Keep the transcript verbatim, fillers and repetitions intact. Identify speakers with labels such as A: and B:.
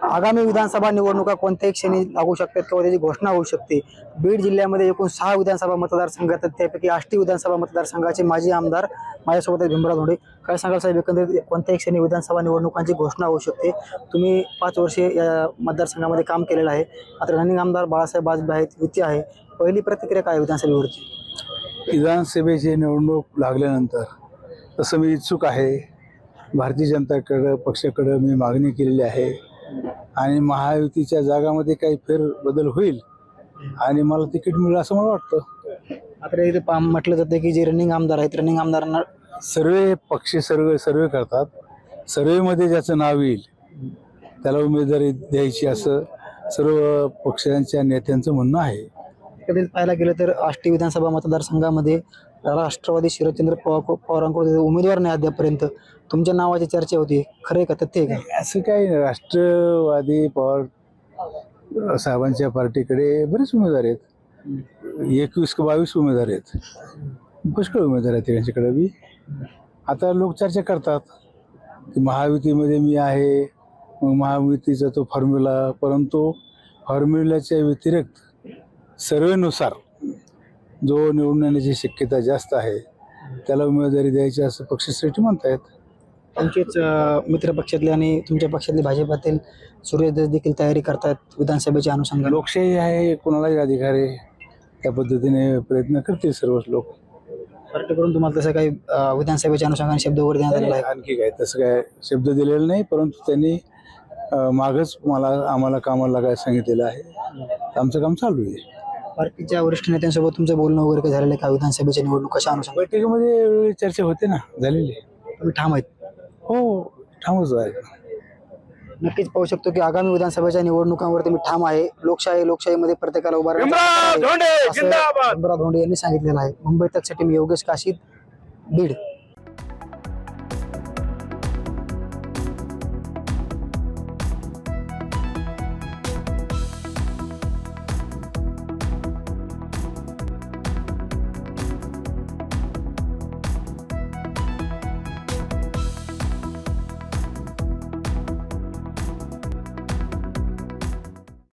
A: आगामी विधानसभा निवडणुका कोणत्याही क्षणी लागू शकतात किंवा त्याची घोषणा होऊ शकते। बीड जिल्ह्यामध्ये एकूण सहा विधानसभा मतदारसंघ आहेत, त्यापैकी आष्टी विधानसभा मतदारसंघाचे माजी आमदार माझ्यासोबत आहेत भीमराव धोंडे। काय सांगाल साहेब, एकंदरीत कोणत्याही क्षणी विधानसभा निवडणुकांची घोषणा होऊ शकते। तुम्ही पाच वर्षे या मतदारसंघामध्ये काम केलेलं आहे, आता रनिंग आमदार बाळासाहेब बाजबे आहेत, युती आहे, पहिली प्रतिक्रिया काय विधानसभेवरची?
B: विधानसभेची निवडणूक लागल्यानंतर तसं मी इच्छुक आहे। भारतीय जनता पक्षाकडे मी मागणी केलेली आहे आणि महायुतीच्या जागामध्ये काही फेरबदल होईल आणि मला तिकीट मिळेल असं मला वाटतं।
A: आता इथे पा- म्हटलं जातं की जे रनिंग आमदार आहेत, रनिंग आमदारांना
B: सर्वे पक्ष सर्वे सर्वे करतात, सर्वेमध्ये ज्याचं नाव येईल त्याला उमेदवारी द्यायची असं सर्व पक्षांच्या नेत्यांचं म्हणणं आहे।
A: कधी पाहायला गेलं तर आष्टी विधानसभा मतदारसंघामध्ये राष्ट्रवादी शरदचंद्र पवार पवारांकडून उमेदवार नाही अद्यापर्यंत, तुमच्या नावाची चर्चा होती, खरं का तथ्य आहे का?
B: असं काही नाही, राष्ट्रवादी पवार साहेबांच्या पार्टीकडे बरेच उमेदवार आहेत, एकवीस का बावीस उमेदवार आहेत, पुष्कळ उमेदवार आहेत त्यांच्याकडे बी। आता लोक चर्चा करतात की महायुतीमध्ये मी आहे, मग महायुतीचा तो फॉर्म्युला, परंतु फॉर्म्युल्याच्या व्यतिरिक्त सर्वेनुसार जो निवडून येण्याची शक्यता जास्त आहे त्याला उमेदवारी द्यायची असं पक्षश्रेष्ठी म्हणतायत।
A: तुमचेच अं, मित्र पक्षातले आणि तुमच्या पक्षातले भाजपातील सुरेश धस देखील तयारी करतात विधानसभेच्या अनुषंगाने।
B: लोकशाही आहे, कोणालाही अधिकार आहे, त्या पद्धतीने प्रयत्न करतील सर्वच लोक।
A: पार्टीकडून तुम्हाला तसं काही अं, विधानसभेच्या अनुषंगाने शब्द वगैरे देण्यात आलेला आहे?
B: आणखी काय तसं काय शब्द दिलेला नाही, परंतु त्यांनी अं, मागच मला आम्हाला कामाला लागायला सांगितलेलं आहे, आमचं काम चालू आहे।
A: पार्टीच्या वरिष्ठ नेत्यांसोबत तुमचं बोलणं वगैरे काही झालेलं आहे का विधानसभेच्या निवडणूक कशा अनुषंगाने?
B: बैठकीमध्ये वेगवेगळी चर्चा होते ना, झालेली आहे।
A: तुम्ही ठाम आहेत?
B: हो, ठामच आहे।
A: नक्कीच पाहू शकतो की आगामी विधानसभेच्या निवडणुकांवरती मी ठाम आहे। लोकशाही लोकशाहीमध्ये प्रत्येकाला उभा राहण्याचा हक्क आहे, असं भीमराव धोंडे यांनी सांगितलेलं आहे। मुंबई तकसाठी मी योगेश काशीद, बीड।